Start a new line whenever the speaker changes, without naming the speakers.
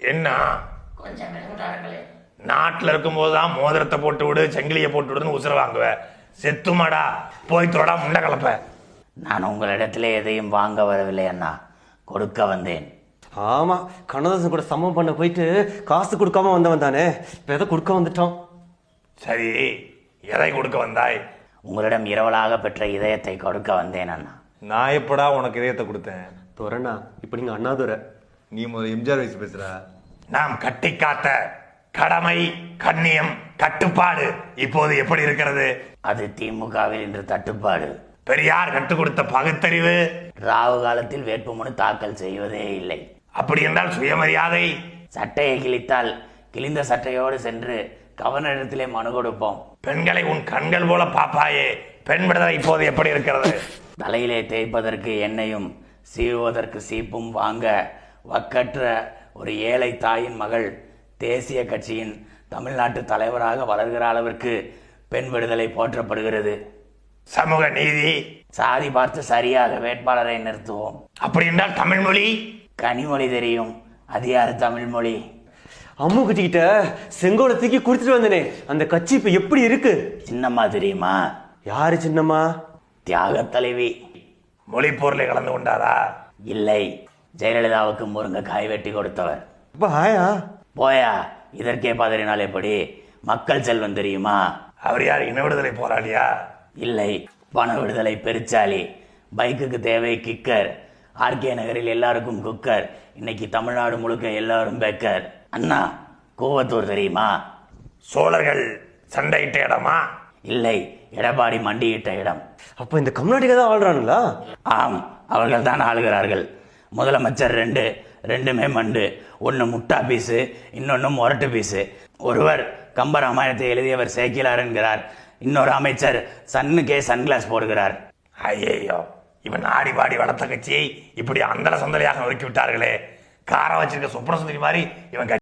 என்ன
கொஞ்சம் மெதுவாடுங்களே.
நாட்டில் இருக்கும்போது தான் மோதிரத்தை போட்டு விடு சங்கிலியை போட்டு விடுன்னு உசுர வாங்குவேன். செத்துமாடா போய் தொடா முண்டை கலப்ப.
நான் உங்களிடத்திலே எதையும் வாங்க வரவில்லை அண்ணா, கொடுக்க வந்தேன்.
ஆமா, கண்ணதாசன் கூட சமம் பண்ண போயிட்டு காசு கொடுக்காம வந்தவன் தானே, இப்ப எதை கொடுக்க வந்துட்டோம்.
சரி, எதை கொடுக்க வந்தாய்?
உங்களிடம் இரவலாக பெற்ற இதயத்தை கொடுக்க வந்தேன் அண்ணா.
நான் எப்படா உனக்கு இதயத்தை கொடுத்தேன்?
துறண்ணா, இப்ப நீங்க அண்ணாதுரை.
நீ முதல்ல எம்ஜிஆர் வயசு பேசுற.
நாம் கட்டி காத்த கடமை, கண்ணியம், கட்டுப்பாடு இப்போது எப்படி இருக்கிறது?
அது திமுகவில் இன்று தட்டுப்பாடு.
பெரியார் கற்றுக் கொடுத்த பகுத்தறிவு
ராவு காலத்தில் வேட்புமனு தாக்கல் செய்வதே இல்லை.
அப்படி என்றால் சுயமரியாதை.
சட்டையை கிழித்தால் கிழிந்த சட்டையோடு சென்று கவர்னரிடத்திலே மனு கொடுப்போம்.
பெண்களை உன் கண்கள் போல பாப்பாயே, பெண் விடுதலை இப்போது எப்படி இருக்கிறது?
தலையிலே தேய்ப்பதற்கு எண்ணெயும் சீவுவதற்கு சீப்பும் வாங்க வக்கற்ற ஒரு ஏழை தாயின் மகள் தேசிய கட்சியின் தமிழ்நாட்டு தலைவராக வளர்கிற அளவிற்கு பெண் விடுதலை போற்றப்படுகிறது.
சமூக நீதி.
சாதி பார்த்து சரியாக வேட்பாளரை நிறுத்துவோம்.
அப்படி என்றால் தமிழ் மொழி.
கனிமொழி தெரியும், அது யாரு தமிழ் மொழி?
அம்மு கட்சிக்கிட்ட செங்கோலை தூக்கி கொடுத்துட்டு வந்தனே, அந்த கட்சி இப்ப எப்படி இருக்கு?
சின்னம்மா தெரியுமா?
யாரு சின்னம்மா?
தியாக தலைவி.
மொழி போர்ல கலந்து கொண்டாரா?
இல்லை, ஜெயலலிதாவுக்கு முருங்கைக்காய் வெட்டி கொடுத்தவர்.
அப்ப ஆயா
போயா, இதற்கே பதறினால் எப்படி? மக்கள் செல்வன் தெரியுமா?
அவர் யார், இன விடுதலை போராளியா?
இல்லை, பண விடுதலை பெருச்சாலி. பைக்குக்கு தேவை கிக்கர். ஆர்கே நகரில் எல்லாருக்கும் குக்கர். இன்னைக்கு தமிழ்நாடு முழுக்க எல்லாரும் பேக்கர். அண்ணா, கூவத்தூர் தெரியுமா?
சோழர்கள் சண்டையிட்ட இடமா?
இல்லை, எடப்பாடி மண்டியிட்ட இடம்.
அப்ப இந்த கம்நாட்டிகா தான் ஆள்றானுங்களா?
ஆம், அவர்கள் தான் ஆளுகிறார்கள். முதலமைச்சர் ரெண்டுமே மண்டு. ஒன்று முட்டா பீஸு, இன்னொன்று முரட்டு பீஸு. ஒருவர் கம்பராமாயணத்தை எழுதியவர் சேக்கிலார் என்கிறார். இன்னொரு அமைச்சர் சன்னுக்கே சன்கிளாஸ் போடுகிறார்.
ஐயோ, இவன் ஆடி பாடி வளர்த்த கட்சியை இப்படி அந்தல சந்தலையாக நொறுக்கி விட்டார்களே. காரை வச்சிருக்க சுப்ரசுந்தரி மாதிரி இவன்